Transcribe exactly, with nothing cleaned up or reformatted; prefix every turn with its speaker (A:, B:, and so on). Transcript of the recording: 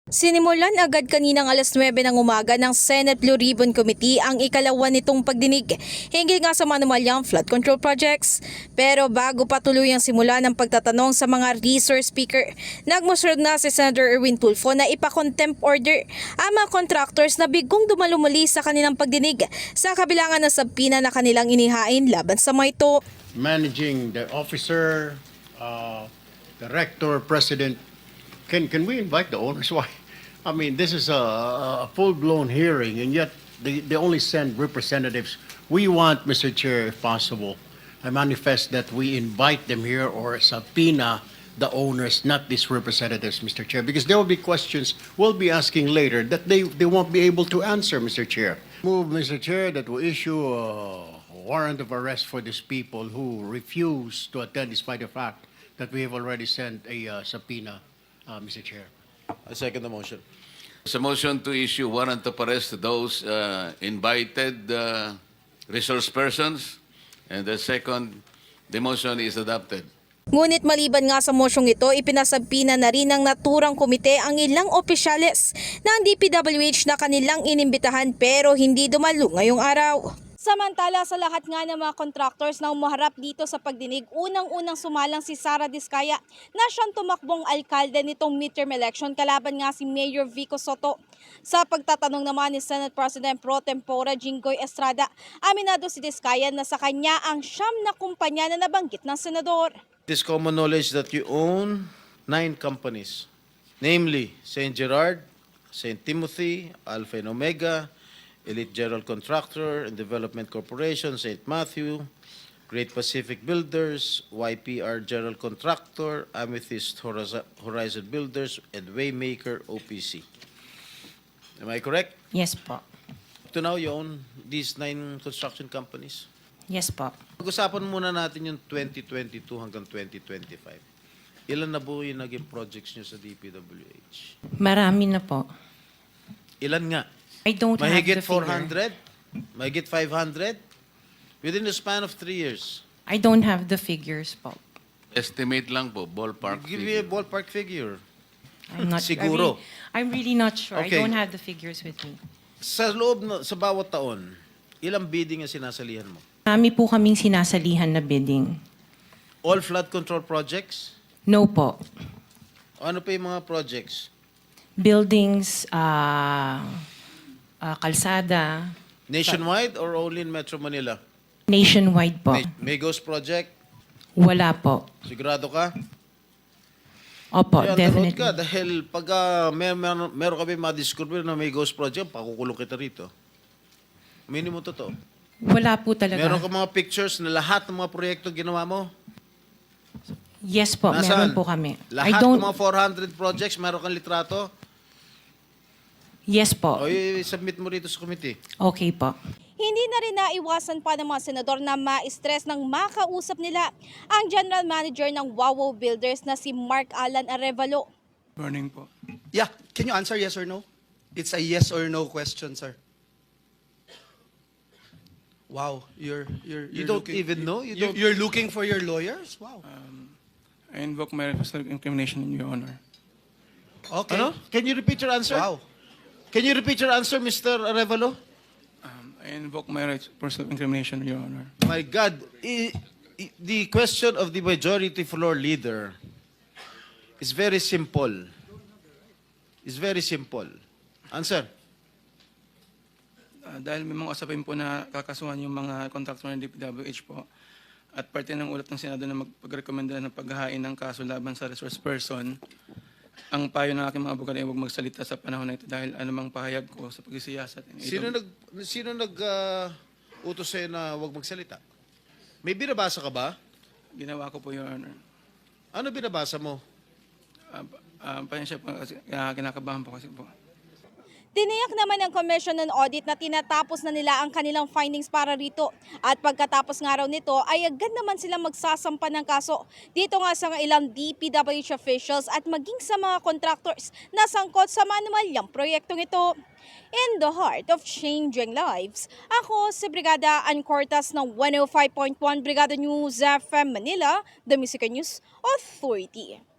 A: Sinimulan agad kaninang alas nuwebe ng umaga ng Senate Blue Ribbon Committee ang ikalawa nitong pagdinig hinggil nga sa manumalyang flood control projects. Pero bago pa tuluyang simula ng pagtatanong sa mga resource speaker, nagmusunod na si Senator Erwin Tulfo na ipa-contempt order ang mga contractors na bigong dumalumuli sa kanilang pagdinig sa kabilangan ng sabpina na kanilang inihain laban sa mga ito.
B: Managing the officer, uh, director, president. Can can we invite the owners? Why? I mean, this is a, a full-blown hearing, and yet they, they only send representatives. We want, Mister Chair, if possible, I manifest that we invite them here or subpoena the owners, not these representatives, Mister Chair, because there will be questions we'll be asking later that they, they won't be able to answer, Mister Chair. Move, Mister Chair, that we issue a warrant of arrest for these people who refuse to attend despite the fact that we have already sent a uh, subpoena. Uh, Mister Chair.
C: I second the motion.
D: It's a motion to issue warrant of arrest to those uh, invited uh, resource persons. And the second, the motion is adopted.
A: Ngunit maliban nga sa mosyong ito, ipinasabpina na rin ng naturang komite ang ilang opisyales ng D P W H na kanilang inimbitahan pero hindi dumalo ngayong araw. Samantala sa lahat nga ng mga contractors na umaharap dito sa pagdinig, unang-unang sumalang si Sara Diskaya na siyang tumakbong alkalde nitong midterm election kalaban nga si Mayor Vico Soto. Sa pagtatanong naman ni Senate President Pro Tempore Jinggoy Estrada, aminado si Diskaya na sa kanya ang siyam na kumpanya na nabanggit ng senador.
C: It is common knowledge that you own nine companies, namely Saint Gerard, Saint Timothy, Alpha and Omega, Elite General Contractor and Development Corporation, Saint Matthew, Great Pacific Builders, Y P R General Contractor, Amethyst Horizon Builders, and Waymaker O P C. Am I correct?
E: Yes po.
C: Up to now, you own these nine construction companies?
E: Yes po.
C: Pag-usapan muna natin yung twenty twenty-two hanggang twenty twenty-five. Ilan na po yung naging projects nyo sa D P W H?
E: Marami na po.
C: Ilan nga?
E: I don't
C: Mahigit
E: have the
C: four
E: figure.
C: hundred? Mahigit five hundred? Within the span of three years.
E: I don't have the figures po.
D: Estimate lang po, ballpark
C: Give me a
D: figure.
C: ballpark figure.
E: I'm not
C: Siguro.
E: I really, I'm really not sure.
C: Okay.
E: I don't have the figures with me.
C: Sa loob, na, sa bawat taon, ilang bidding ang sinasalihan mo?
E: Marami po kaming sinasalihan na bidding.
C: All flood control projects?
E: No po.
C: Ano pa yung mga projects?
E: Buildings, ah, ah, kalsada,
C: Nationwide or only in Metro Manila?
E: nationwide po.
C: May, may Ghost Project?
E: Wala po.
C: Sigurado ka?
E: Opo,
C: Kaya
E: definitely.
C: ka dahil pag uh, mer mer meron kami ma-discover na may Ghost Project, pakukulong kita rito. Minimum totoo.
E: Wala po talaga.
C: Meron ka mga pictures na lahat ng mga proyekto ginawa mo?
E: Yes po,
C: Nasaan?
E: meron po kami.
C: Lahat
E: I don't,
C: ng mga four hundred projects, meron kang litrato?
E: yes po.
C: O i-submit mo rito sa committee.
E: Okay po.
A: Hindi na rin naiwasan pa ng mga senador na ma-stress nang makausap nila ang General Manager ng Wawo Builders na si Mark Alan Arevalo.
F: Morning po.
G: Yeah, can you answer yes or no? It's a yes or no question, sir. Wow, you're you're,
C: You
G: you're
C: don't
G: looking,
C: even know? You
G: You're,
C: don't-
G: you're looking for your lawyers? Wow.
F: I invoke my personal incrimination in your honor.
G: Okay.
C: Ano? Can you repeat your answer?
G: Wow.
C: Can you repeat your answer, Mister Arevalo?
F: Um, I invoke my rights of personal incrimination in your honor.
C: My God, i- i- the question of the majority floor leader is very simple. It's very simple. Answer.
F: Uh, dahil may mga usapin po na kakasuhan yung mga kontraktor ng D P W H po at parte ng ulat ng Senado na magpagrekomenda ng paghahain ng kaso laban sa resource person, ang payo ng aking mga abogado ay huwag magsalita sa panahon na ito dahil anumang pahayag ko sa pagsisiyasat.
C: Sino nag sino nag uh, utos sa'yo na huwag magsalita? May binabasa ka ba?
F: Ginawa ko po, your honor.
C: Ano binabasa mo?
F: Uh, uh, Pasensya po kasi uh, kinakabahan po kasi po.
A: Tiniyak naman ng Commission on Audit na tinatapos na nila ang kanilang findings para rito. At pagkatapos nga raw nito ay agad naman silang magsasampa ng kaso. Dito nga sa ilang D P W H officials at maging sa mga contractors na sangkot sa manumalyang proyektong ito. In the heart of changing lives, ako si Brigada Ann Cortas ng one oh five point one Brigada News F M Manila, the Music News Authority.